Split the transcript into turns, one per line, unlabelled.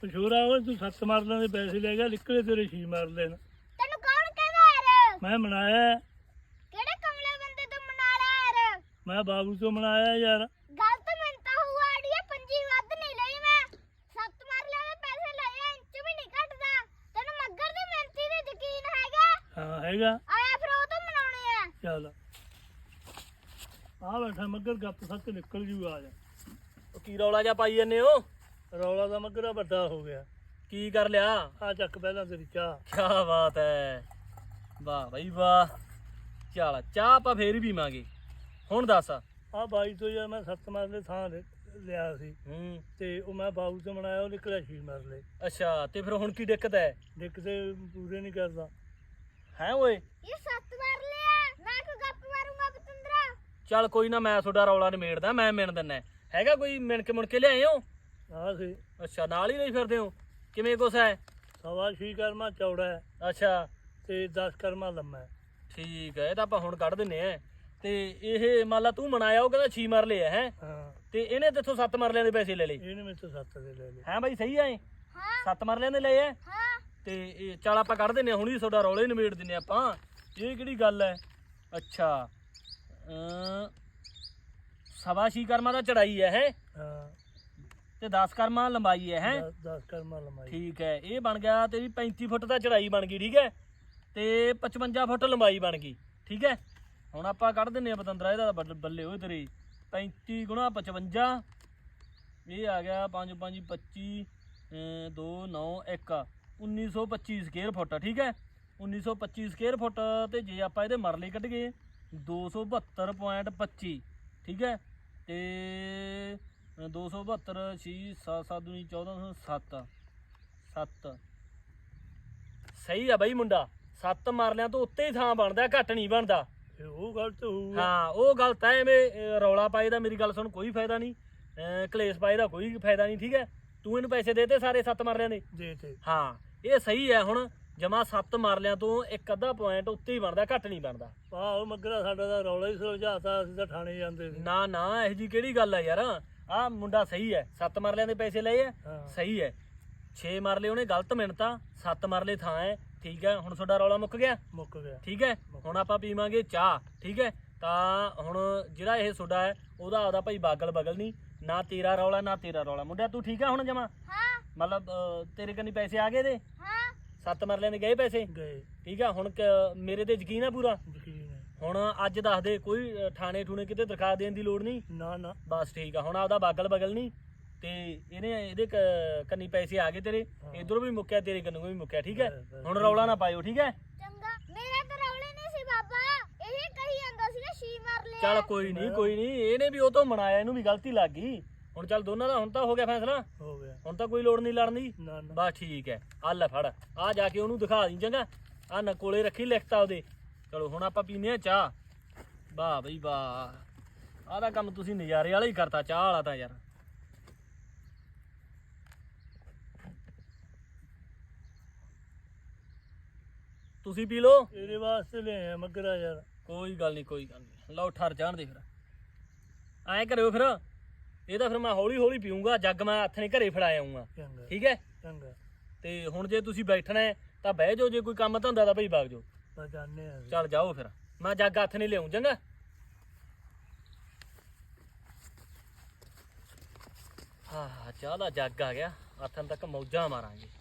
ਪਸ਼ੂਰਾ ਉਹ ਤੂੰ 7 ਮਰਲਿਆਂ ਦੇ ਪੈਸੇ ਲੈ ਗਿਆ, ਨਿਕਲੇ ਤੇਰੇ 6 ਮਰਲੇ ਨੇ।
ਤੈਨੂੰ ਕੌਣ ਕਹਿੰਦਾ ਯਾਰ?
ਮੈਂ ਮਨਾਇਆ।
ਕਿਹੜੇ ਕਮਲੇ ਬੰਦੇ ਤੋਂ ਮਨਾ ਲਿਆ ਯਾਰ?
ਮੈਂ ਬਾਬੂ ਤੋਂ ਮਨਾਇਆ ਯਾਰ।
ਗਲਤ ਮਿੰਤਾ ਹੁਆ ਆੜੀਏ, ਪੰਜੀ ਵੱਧ ਨਹੀਂ ਲਈ ਮੈਂ। 7 ਮਰਲਿਆਂ ਦੇ ਪੈਸੇ ਲਏ, ਇੰਚ ਵੀ ਨਹੀਂ ਘਟਦਾ। ਤੈਨੂੰ ਮੱਗਰ ਦੀ ਮਿਹਨਤੀ ਤੇ ਯਕੀਨ ਹੈਗਾ?
ਹਾਂ ਹੈਗਾ।
ਆਇਆ ਫਿਰ ਉਹ ਤੋਂ ਮਨਾਉਣੇ ਆ।
ਚੱਲ ਆ ਬੈਠਾ ਮੱਗਰ, ਗੱਪ ਸੱਚ ਨਿਕਲ ਜੂ। ਆ ਜਾ।
ਉਹ ਕੀ ਰੌਲਾ ਜਿਹਾ ਪਾਈ ਜੰਨੇ ਹੋ?
ਰੌਲਾ ਦਾ ਮੱਗਰਾ ਵੱਡਾ ਹੋ ਗਿਆ।
ਕੀ ਕਰ ਲਿਆ?
ਆ ਚੱਕ ਪਹਿਲਾਂ ਤੇਰੀ ਚਾਹ।
ਕੀ ਬਾਤ ਹੈ, ਵਾਹ ਬਈ ਵਾਹ। ਚੱਲ ਚਾਹ ਆਪਾਂ ਫੇਰ ਹੀ ਪੀਵਾਂਗੇ। ਹੁਣ ਦੱਸ।
ਆ ਬਾਈ ਤੋਂ ਯਾਰ ਮੈਂ 7 ਮਰਲੇ ਥਾਂ ਲਿਆ ਸੀ ਤੇ ਉਹ ਮੈਂ ਬਾਬੂ ਤੋਂ ਮਨਾਇਆ, ਉਹ ਨਿਕਲਿਆ 6 ਮਰਲੇ।
ਅੱਛਾ, ਤੇ ਫਿਰ ਹੁਣ ਕੀ ਦਿੱਕਤ ਹੈ?
ਦਿੱਕਤੇ ਪੂਰੇ ਨਹੀਂ ਕਰਦਾ
ਹੈ ਓਏ।
ਇਹ 7 ਮਰਲੇ ਆ, ਮੈਂ ਕੋ ਗੱਪ ਮਾਰੂੰਗਾ ਪਤੰਦਰਾ।
ਚੱਲ ਕੋਈ ਨਾ, ਮੈਂ ਤੁਹਾਡਾ ਰੌਲਾ ਨਿਮੇੜਦਾ, ਮੈਂ ਮਿਣ ਦਿੰਦਾ। ਹੈਗਾ ਕੋਈ ਮਿਣ ਕੇ ਮੁੜ ਕੇ ਲਿਆਏ ਹੋ?
ਆ ਸੀ।
ਅੱਛਾ, ਨਾਲ ਹੀ ਲਈ ਫਿਰਦੇ ਹੋ? ਕਿਵੇਂ ਕੁਛ ਹੈ?
6.25 ਕਰਮਾ ਚੌੜਾ ਹੈ
ਅੱਛਾ
ਤੇ 10 ਕਰਮਾ ਲੰਮਾ ਹੈ।
ਠੀਕ ਹੈ, ਇਹ ਤਾਂ ਆਪਾਂ ਹੁਣ ਕੱਢ ਦਿੰਨੇ ਆ। ਤੇ ਇਹ ਮੰਨ ਲਾ ਤੂੰ ਮਨਾਇਆ, ਉਹ ਕਹਿੰਦਾ 6 ਮਰਲੇ ਆ ਹੈ,
ਹਾਂ
ਤੇ ਇਹਨੇ ਤੇਥੋਂ 7 ਮਰਲਿਆਂ ਦੇ ਪੈਸੇ ਲੈ ਲਏ।
ਇਹਨੇ ਮੇਰੇ ਤੋਂ 7 ਦੇ ਲੈ ਲਏ।
ਹੈ ਬਾਈ, ਸਹੀ ਆ ਇਹ?
ਹਾਂ
7 ਮਰਲਿਆਂ ਦੇ ਲਏ ਆ।
ਹਾਂ
ਤੇ ਇਹ ਚੱਲ ਆਪਾਂ ਕੱਢ ਦਿੰਨੇ ਆ, ਹੁਣੀ ਤੁਹਾਡਾ ਰੌਲੇ ਨਿਬੇੜ ਦਿੰਨੇ ਆਪਾਂ। ਇਹ ਕਿਹੜੀ ਗੱਲ ਹੈ? ਅੱਛਾ, 6.25 ਕਰਮਾਂ ਦਾ ਚੜਾਈ ਹੈ
ਹਾਂ
ਤੇ 10 ਕਰਮਾਂ ਲੰਬਾਈ ਹੈ
10 ਕਰਮਾ ਲੰਮਾਈ।
ਠੀਕ ਹੈ, ਇਹ ਬਣ ਗਿਆ ਤੇਰੀ 35 ਫੁੱਟ ਦਾ ਚੜਾਈ ਬਣ ਗਈ। ਠੀਕ ਹੈ, ਤੇ 55 ਫੁੱਟ ਲੰਬਾਈ ਬਣ ਗਈ। ਠੀਕ ਹੈ, ਹੁਣ ਆਪਾਂ ਕੱਢ ਦਿੰਨੇ ਆ ਪਤੰਦਰਾ, ਇਹਦਾ ਬੱਲੇ ਹੋਏ ਤੇਰੀ 35 ਗੁਣਾ 55, ਇਹ ਆ ਗਿਆ 5 5 25 2 9 1 1925 ਸਕੁਅਰ ਫੁੱਟ। ਠੀਕ ਹੈ, 1925 ਸਕੁਅਰ ਫੁੱਟ। ਤੇ ਜੇ ਆਪਾਂ ਇਹਦੇ ਮਰਲੇ ਕੱਢ ਗਏ 272.25। ਠੀਕ ਹੈ, ਤੇ 272 6 7 7 दूनी 14 7 7 ਸਹੀ ਆ ਬਈ ਮੁੰਡਾ। 7 ਮਰਲਿਆਂ ਤੋਂ ਉੱਤੇ ਹੀ ਥਾਂ ਬਣਦਾ, ਘੱਟ ਨਹੀਂ ਬਣਦਾ।
ਉਹ ਗਲਤ ਹੋਊਗਾ।
ਹਾਂ ਉਹ ਗਲਤ ਹੈ, ਐਵੇਂ ਰੌਲਾ ਪਾਏ ਦਾ ਮੇਰੀ ਗੱਲ ਸੁਣ ਕੋਈ ਫਾਇਦਾ ਨਹੀਂ, ਕਲੇਸ਼ ਪਾਏ ਦਾ ਕੋਈ ਫਾਇਦਾ ਨਹੀਂ। ਠੀਕ ਹੈ, ਤੂੰ ਇਹਨੂੰ ਪੈਸੇ ਦੇਤੇ ਸਾਰੇ 7 ਮਰਲਿਆਂ ਦੇ?
ਦੇ ਤੇ।
ਹਾਂ ਇਹ ਸਹੀ ਹੈ। ਹੁਣ ਜਮਾ 7 ਮਰਲਿਆਂ ਤੋਂ 1 ਅੱਧਾ ਪੁਆਇੰਟ ਉੱਤੇ ਹੀ ਬਣਦਾ, ਘੱਟ ਨਹੀਂ ਬਣਦਾ।
ਆਹੋ ਮੱਗਰਾ ਸਾਡਾ ਤਾਂ ਰੌਲਾ ਹੀ ਸੁਲਝਾਤਾ, ਅਸੀਂ ਤਾਂ ਥਾਣੇ ਜਾਂਦੇ ਸੀ।
ਨਾ ਨਾ, ਇਹੋ ਜੀ ਕਿਹੜੀ ਗੱਲ ਹੈ ਯਾਰ। ਆਹ ਮੁੰਡਾ ਸਹੀ ਹੈ, 7 ਮਰਲਿਆਂ ਦੇ ਪੈਸੇ ਲਏ ਆ,
ਹਾਂ
ਸਹੀ ਹੈ। 6 ਮਰਲੇ ਉਹਨੇ ਗਲਤ ਮਿਣਤਾ, 7 ਮਰਲੇ ਥਾਂ ਹੈ। ਠੀਕ ਹੈ, ਹੁਣ ਤੁਹਾਡਾ ਰੌਲਾ ਮੁੱਕ ਗਿਆ।
ਮੁੱਕ ਗਿਆ।
ਠੀਕ ਹੈ, ਹੁਣ ਆਪਾਂ ਪੀਵਾਂਗੇ ਚਾਹ। ਠੀਕ ਹੈ, ਤਾਂ ਹੁਣ ਜਿਹੜਾ ਇਹ ਤੁਹਾਡਾ ਹੈ ਉਹਦਾ ਆਪਦਾ ਭਾਈ ਬਾਗਲ ਬਗਲ ਨਹੀਂ, ਨਾ ਤੇਰਾ ਰੌਲਾ ਨਾ ਤੇਰਾ ਰੌਲਾ। ਮੁੰਡਿਆ ਤੂੰ ਠੀਕ ਆ ਹੁਣ ਜਮਾ?
ਹਾਂ
ਮਤਲਬ ਤੇਰੇ ਕੰਨੀ ਪੈਸੇ ਆ ਗਏ ਦੇ?
ਹਾਂ
7 ਮਰਲਿਆਂ ਦੇ ਗਏ ਪੈਸੇ?
ਗਏ।
ਠੀਕ ਆ, ਹੁਣ ਮੇਰੇ ਤੇ ਯਕੀਨ ਆ ਪੂਰਾ?
ਯਕੀਨ ਹੈ।
ਹੁਣ ਅੱਜ ਦੱਸ ਦੇ, ਕੋਈ ਥਾਣੇ ਠੂਣੇ ਕਿਤੇ ਦਰਖਾਸਤ ਦੇਣ ਦੀ ਲੋੜ ਨਹੀਂ?
ਨਾ ਨਾ
ਬਸ ਠੀਕ ਆ, ਹੁਣ ਆਪਦਾ ਬਾਗਲ ਬਗਲ ਨਹੀਂ ਤੇ ਇਹਦੇ ਕੰਨੀ ਪੈਸੇ ਆ ਗਏ ਤੇਰੇ, ਇਧਰੋਂ ਵੀ ਮੁੱਕਿਆ ਤੇਰੇ ਕੰਨੋਂ ਵੀ ਮੁੱਕਿਆ। ਠੀਕ ਹੈ, ਹੁਣ ਰੌਲਾ ਨਾ ਪਾਇਓ। ਠੀਕ ਹੈ,
ਚੰਗਾ। ਮੇਰਾ ਤਾਂ ਰੌਲੇ ਨਹੀਂ ਸੀ ਬਾਬਾ, ਇਹ ਕਹੀ ਜਾਂਦਾ ਸੀਗਾ 6 ਮਰਲੇ ਆ।
ਚੱਲ ਕੋਈ ਨਹੀਂ ਕੋਈ ਨਹੀਂ, ਇਹਨੇ ਵੀ ਉਹ ਤੋਂ ਮਨਾਇਆ, ਇਹਨੂੰ ਵੀ ਗਲਤੀ ਲੱਗ ਗਈ। ਹੁਣ ਚੱਲ ਦੋਨਾਂ ਦਾ ਹੁਣ ਤਾਂ ਹੋ ਗਿਆ ਫੈਸਲਾ,
ਹੋ ਗਿਆ।
ਹੁਣ ਤਾਂ ਕੋਈ ਲੋੜ ਨਹੀਂ ਲੜਨ ਦੀ।
ਨਾ ਨਾ
ਬਸ ਠੀਕ ਹੈ, ਆ ਲੈ ਫੜ, ਆ ਜਾ ਕੇ ਉਹਨੂੰ ਦਿਖਾ ਦੀ ਚੰਗਾ, ਆ ਨਾ ਕੋਲੇ ਰੱਖੀ ਲਿਖਤਾ ਉਹਦੇ। ਚਲੋ ਹੁਣ ਆਪਾਂ ਪੀਨੇ ਆ ਚਾਹ। ਵਾਹ ਬਈ ਵਾਹ, ਆਹ ਦਾ ਕੰਮ ਤੁਸੀਂ ਨਜ਼ਾਰੇ ਵਾਲਾ ਹੀ ਕਰਤਾ, ਚਾਹ ਵਾਲਾ ਤਾਂ ਯਾਰ। ਤੁਸੀਂ ਪੀ ਲਓ।
ਇਹਦੇ ਵਾਸਤੇ ਲਿਆ ਮੱਗਰਾ ਯਾਰ।
ਕੋਈ ਗੱਲ ਨਹੀਂ ਕੋਈ ਗੱਲ ਨਹੀਂ, ਲਓ ਠਰ ਜਾਣ ਦੇ। ਫਿਰ ਐਂ ਕਰਿਓ, ਫਿਰ ਇਹਦਾ ਫਿਰ ਮੈਂ ਹੌਲੀ ਹੌਲੀ ਪੀਊਂਗਾ, ਜੱਗ ਮੈਂ ਹੱਥ ਨੇ ਘਰੇ ਫੜਾ ਆਊਂਗਾ।
ਚੰਗਾ
ਠੀਕ ਹੈ,
ਚੰਗਾ।
ਤੇ ਹੁਣ ਜੇ ਤੁਸੀਂ ਬੈਠਣਾ ਹੈ ਤਾਂ ਬਹਿ ਜਾਓ, ਜੇ ਕੋਈ ਕੰਮ ਧੰਦਾ ਤਾਂ ਭਾਈ ਵਗ ਜਾਓ।
ਤਾਂ ਜਾਣੇ ਆ।
ਚੱਲ ਜਾਓ, ਫਿਰ ਮੈਂ ਜੱਗ ਹੱਥ ਨਹੀਂ ਲਿਆਉਂ ਚੰਗਾ। ਹਾਂ ਚਾਹ ਦਾ ਜੱਗ ਆ ਗਿਆ, ਹੱਥਾਂ ਤੱਕ ਮੌਜਾਂ ਮਾਰਾਂਗੇ।